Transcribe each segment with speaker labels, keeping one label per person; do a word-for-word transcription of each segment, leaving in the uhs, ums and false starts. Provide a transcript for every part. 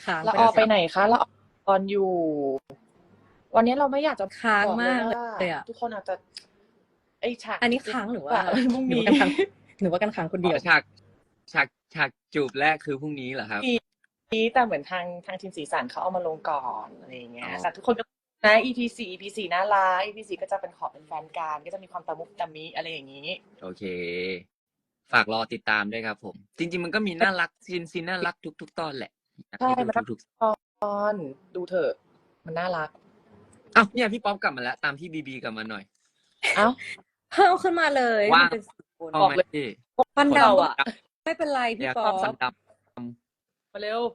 Speaker 1: ค้าง
Speaker 2: ละ
Speaker 1: ไป
Speaker 2: ออ
Speaker 1: แล้ว
Speaker 2: ไปไหนคะละออตอนอยู่ วันนี้เราไม่อยากจะ
Speaker 1: ค้าง
Speaker 2: บอกเล
Speaker 1: มาย ก
Speaker 2: ว่า
Speaker 1: เลยอะ
Speaker 2: ทุกคนอาจจะ ไอ้ฉาก
Speaker 1: อันนี้ค้างหรือว่า
Speaker 2: พรุ่ง
Speaker 1: หรือ
Speaker 2: นี้
Speaker 1: ว่ากันค้าง หรือว่ากันค้างคน
Speaker 3: อ๋
Speaker 1: เดียว
Speaker 3: อ ฉาก ฉาก ฉากจูบแรกคือพรุ่งนี้เหรอครับ?
Speaker 2: นี้ แต่เหมือนทาง ทางทีมสีสันเขาเอามาลงก่อน อะไรอย่างเงี้
Speaker 3: อ๋
Speaker 2: ย
Speaker 3: อ
Speaker 2: แต่ทุกคนก็ นะ อี พี สี่ อี พี สี่ น่ารัก อี พี สี่ ก็จะเป็นขอเป็นแฟนกัน ก็จะมีความตะมุตะมิ อะไรอย่างงี้
Speaker 3: โอเค ฝากรอติดตามด้วยครับผม จริง ๆ มันก็มีน่ารัก ซีน ซีนน่ารักทุก ๆ ตอนแหละ อยาก
Speaker 2: ใช่
Speaker 3: ให้ดู
Speaker 2: มันน่า
Speaker 3: ทุก ๆ
Speaker 2: ตอน ดูเถอะ มันน่ารัก
Speaker 3: อ้าว เนี่ยพี่ป๊อปกลับมาแล้ว ตามพี่บีบีกลับมาหน่อย
Speaker 2: อ้าว
Speaker 1: เพิ่มขึ้นมาเลย
Speaker 3: ว่า
Speaker 1: มันเป็น สี่ คน
Speaker 3: เอา
Speaker 2: บอก
Speaker 3: ไหม
Speaker 2: เลย
Speaker 3: พี่?
Speaker 1: ฟัน
Speaker 2: พวก
Speaker 1: ด
Speaker 2: เราอะ
Speaker 1: ำ ไม่เป็นไรพ
Speaker 3: อี่ยาก
Speaker 1: ป๊
Speaker 3: ช
Speaker 1: อ
Speaker 3: อบฟัน
Speaker 1: ป
Speaker 3: ดำ
Speaker 2: มาเร็ว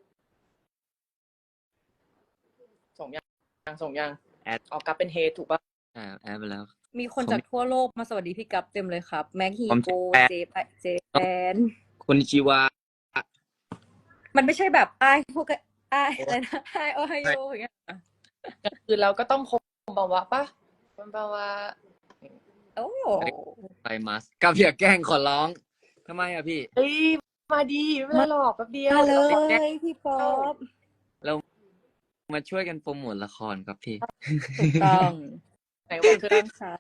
Speaker 2: ส่งยัง ส่งยัง?
Speaker 3: แอด
Speaker 2: อ๋อ กั๊บเป็น Head ถูกเปล่า?
Speaker 3: อา แอดไปแล้ว
Speaker 1: มีคน
Speaker 3: ผม
Speaker 1: จากทั่วโลกมาสวัสดีพี่กั๊บเต็มเลยครับ แม็ก ฮี
Speaker 3: ผม
Speaker 1: โก
Speaker 3: แปล
Speaker 1: เจ แป เจแปน
Speaker 3: โคนิชิวะ
Speaker 1: มันไม่ใช่แบบ อ้าย พวก ก อ้าย อะไรนะ Hi Ohayo อย่างเงี้ย
Speaker 2: กลางคืนเราก็ต้อง คมบาวะ เปล่า? คมบาวะ
Speaker 1: โอ้
Speaker 3: ไซมัส กั๊บอย่าแกล้งขอร้อง ทำไมอะพี่?
Speaker 2: เฮ้ย มาดิ ไม่เป็นไรหรอก แป๊บเดียว
Speaker 1: มาเล
Speaker 2: ดี๋วราไปแกล้ง
Speaker 1: ยพี่ป๊อป
Speaker 3: เรา มาช่วยกันโพรโมตละครครับพี่
Speaker 1: ถูกต้อง
Speaker 2: ไหนวันคืน
Speaker 1: ค่ะ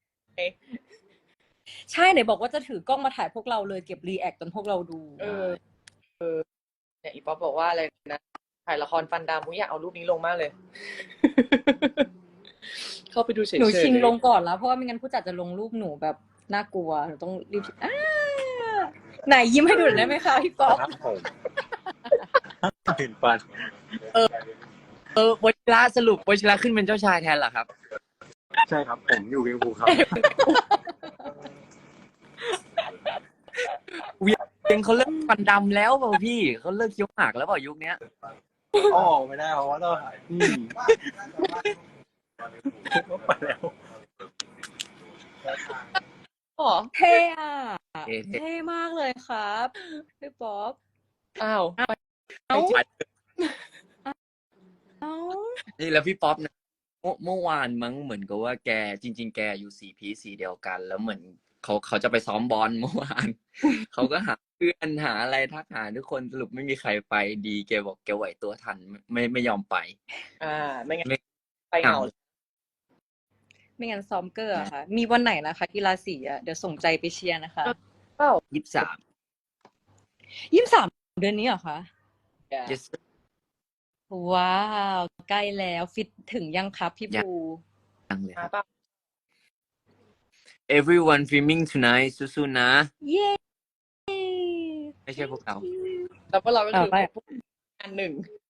Speaker 1: ใช่ ไหนบอกว่าจะถือกล้องมาถ่ายพวกเราเลย เก็บรีแอกต์จนพวกเราดู
Speaker 2: เออ เออ เนี่ยอีป๊อปบอกว่าอะไรนะ ถ่ายละครฟันดำ อุ๊ย อยากเอารูปนี้ลงมากเลย เข้าไปดูเฉยๆ
Speaker 1: หนูชิงลงก่อนแล้ว เพราะว่าไม่งั้นผู้จัดจะลงรูปหนูแบบน่ากลัว หนูต้องรีบ อา ไหนยิ้มให้ดูหน่อยได้ไหมคะพี่ป๊อป?
Speaker 4: ครับผม เห็นฟัน
Speaker 3: เออ เออ วชิระ สรุปวชิระขึ้นเป็นเจ้าชายแทนเหรอครับ
Speaker 4: ใช่ครับ ผมอยู่เวียงภูครับ
Speaker 3: เวียงเขาเลิกฟันดำแล้วเปล่าพี่ เขาเลิกเคี้ยวหมากแล้วเปล่ายุคเนี้ย?
Speaker 4: อ้อ ไม่ได้เพราะว่าต้อง อืม ก็ไปแล้ว
Speaker 2: เหรอ?
Speaker 1: เท่อะ
Speaker 3: เท่ ๆ
Speaker 1: เท่มากเลยครับพี่ป๊อป
Speaker 2: อ้าว
Speaker 1: อ้าว
Speaker 3: อ้าว
Speaker 1: อ้าว
Speaker 3: นี่แล้วพี่ป๊อปนะ เมื่อ เมื่อวานมั้ง เหมือนกับว่าแก จริง ๆ แกอยู่สีพีซสีเดียวกัน แล้วเหมือนเขา เขาจะไปซ้อมบอล เมื่อวาน เขาก็หาเพื่อน หาอะไร ทักหาทุกคน สรุปไม่มีใครไป ดีแกบอกแกไหวตัวทัน ไม่ ไม่ยอมไป
Speaker 2: อา ไม่งั้น
Speaker 3: ไม่
Speaker 2: ไปเหงา
Speaker 1: ไม่งั้นซ้อมเกอร์อะค่ะ มีวันไหนนะคะ กีฬาสีอะ เดี๋ยวส่งใจไปเชียร์นะคะ
Speaker 2: เปล่า?
Speaker 3: ยี่สิบสาม
Speaker 1: ยี่สิบสาม เดือนนี้เหรอคะ?
Speaker 3: Yes
Speaker 1: ว้าว ใกล้แล้ว ฟิตถึงยังครับพี่
Speaker 3: ยั
Speaker 1: ภู
Speaker 3: ง ยังเลยค
Speaker 2: มา
Speaker 3: รับ
Speaker 2: เปล่า?
Speaker 3: Everyone filming tonight สู้ ๆ นะ
Speaker 1: เย้
Speaker 3: ไม่ใช่พวกเรา
Speaker 2: แล้วพวกเราก็
Speaker 1: ต่
Speaker 2: คือ อ
Speaker 1: ไป
Speaker 2: พวก อันหนึ่ง